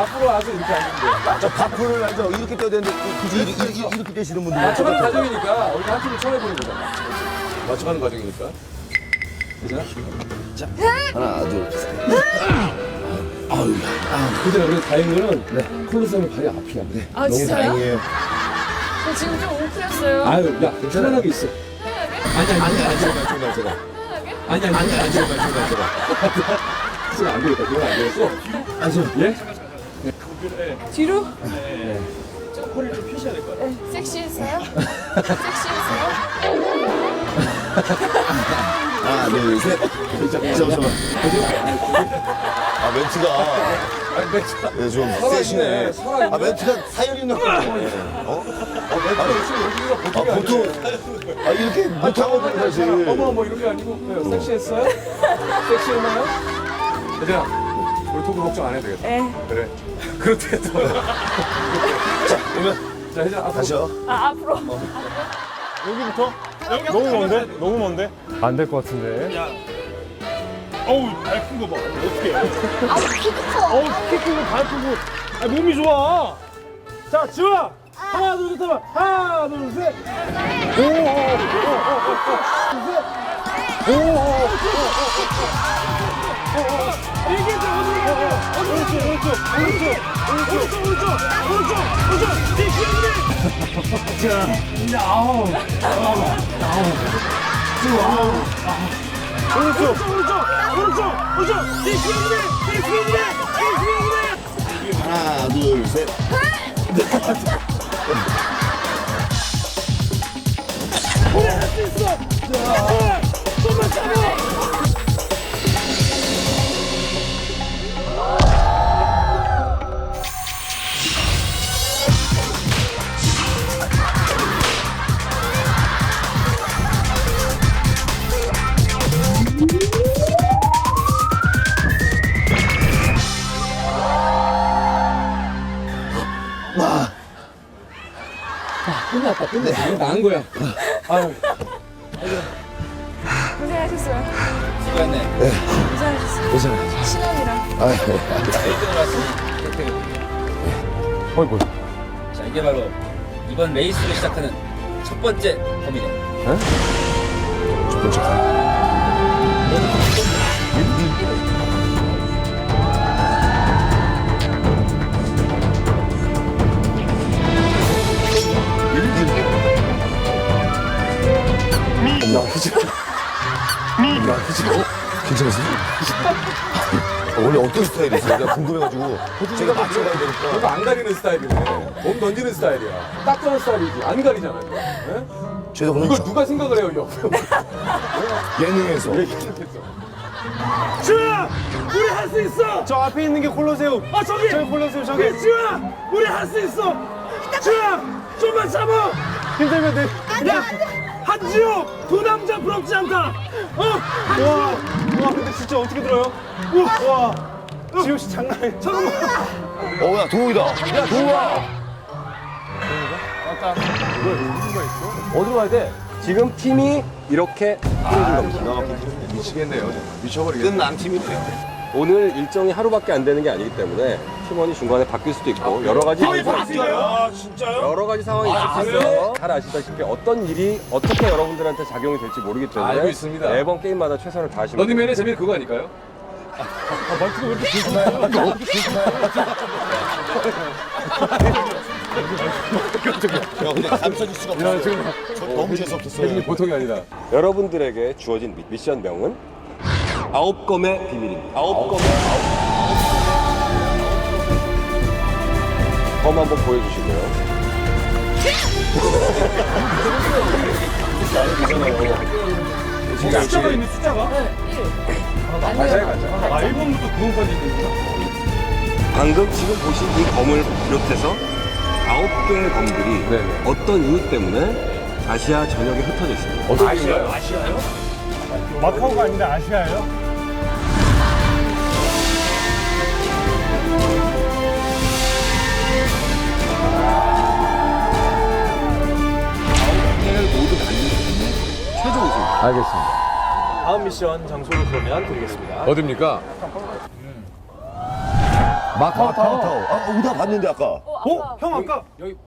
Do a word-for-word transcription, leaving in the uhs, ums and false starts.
앞으로 와서 이렇게 앉는데. 저 바프를 앉아 이렇게 떠야 되는데 굳이 이렇게, 이렇게, 이렇게 떼시는 분들 맞춰가는 과정이니까 우리 한 팀을 처음 해보는 거잖아. 맞춰가는 과정이니까. 그죠? 자, 하나, 둘, 셋. 아유, 근데 우리 다행인 거는 네. 콜로세움 발이 앞이야. 네. 아, 너무 진짜요? 다행이에요. 저 지금 좀 웅크렸어요. 아유, 야, 편안하게 있어. 아니, 아니, 아니, 아니, 제가, 제가, 제가. 편하게? 아니, 아니, 아니, 아니, 제가, 제가, 제가. 지금 안 되겠다, 그건 안 되겠어. 아니, 저, 예? 뒤로? 네. 허리를 좀 펴셔야 될 것 같아요. 네. 섹시했어요? 섹시했어요? 하나, 둘, 셋. 잠깐만. 아, 멘트가. 아니, 멘트가. 네, 좀 살아있네, 세시네. 살아있네. 아, 멘트가 사연 있는 거 같아. 어? 어, 멘트가 열심히 여기가 보통이 아, 아니야. 보통. 아, 이렇게 못하거든, 사실. 어머, 뭐 이런 게 아니고. 그래요. 섹시했어요? 섹시했나요? 얘들아, 우리 토크 걱정 안 해도 되겠다. 네. 그래. 그렇대, 또. 자, 그러면 자, 혜진아, 앞으로. 다시요. 아, 앞으로. 여기부터? 너무 먼데? 너무 먼데? 안 될 것 같은데. 어우, 발 큰 거 봐. 어떻게 해? 아, 키도 커. 어우, 키 크고 발 크고. 아, 몸이 좋아. 자, 지훈아. 하나, 둘, 셋 하면. 하나, 둘, 셋. 오, 오, 오, 오, 오, 오, 오, 오, 오, 오. 이게 좀 어디 가요? 오른쪽, 오른쪽, 오른쪽, 오른쪽, 오른쪽, 오른쪽, 오른쪽. 네, 기억이 자, 아우, 아우, 아우. 오른쪽, 오른쪽, 오른쪽, 오른쪽. 네, 기억이 네, 기억이 네, 기억이 하나, 둘, 셋. 우리 할 수 있어. 자, 좀만 참아. 끝났다, 끝났어. 이거 나은 거야. 아유. 고생하셨어요. 수고했네. 고생하셨어요. 괜찮아요. 신혼이랑. 아, 네. 일 등을 왔으니 혜택을 드릴게요. 어이구. 자, 이게 바로 이번 레이스를 시작하는 첫 번째 범위네. 첫 번째 판. 야, 혜진아. 야, 혜진아. 괜찮으세요? 어, 원래 어떤 스타일이세요? 내가 궁금해가지고 제가 맞춰가야 되니까. 너가 안 가리는 스타일이네. 몸 던지는 스타일이야. 딱 그런 스타일이지. 안 가리잖아. 이거. 예? 제가 오늘 이걸 누가 생각을 해요, 옆에. 예능에서 왜 이렇게 했어? 지훈아, 우리 할 수 있어. 저 앞에 있는 게 콜로세움. 아, 저기. 저기 콜로세움 저기. 그래, 지훈아, 우리 할 수 있어. 지훈아, 좀만 참아. 힘들면 돼. 야, 한지호, 두 남자 부럽지 않다. 어, 한지호. 와, 와, 근데 진짜 어떻게 들어요? 우와, 와, 지호 씨 장난 아니야. 잠깐만. 어, 야, 도우이다. 야, 도우야. 어디로 가야 돼? 지금 팀이 이렇게 꾸려진 겁니다. 미치겠네요. 미쳐버리겠네. 끝난 팀이네. 오늘 일정이 하루밖에 안 되는 게 아니기 때문에 팀원이 중간에 바뀔 수도 있고 여러 가지 아, 진짜요? 여러 가지 상황이 있을 수 있어요. 잘 아시다시피 어떤 일이 어떻게 여러분들한테 작용이 될지 모르기 때문에 알고 있습니다. 매번 게임마다 최선을 다하시면 런닝맨의 재미는 그거 아닐까요? 야, 근데 감춰질 수가 없어. 저 너무 재수없었어요. 혜진이 보통이 아니다. 여러분들에게 주어진 미- 미션명은 아홉 검의 비밀입니다. 아홉 검의 아홉 검 한번 보여주시고요. 숫자가 있네, 숫자가. 가자에 가자. 아, 일 번부터 구 번까지 있는구나. 방금 지금 보신 이 검을 비롯해서 아홉 개의 검들이 네네. 어떤 이유 때문에 아시아 전역에 흩어져 있습니다. 어떤 아시아요? 마카오가 아닌데 아시아예요? 알겠습니다. 다음 미션 장소를 그러면 드리겠습니다. 어딥니까? 마카오 타워. 아, 오다 봤는데 아까. 어, 어? 아까 형 아까 여기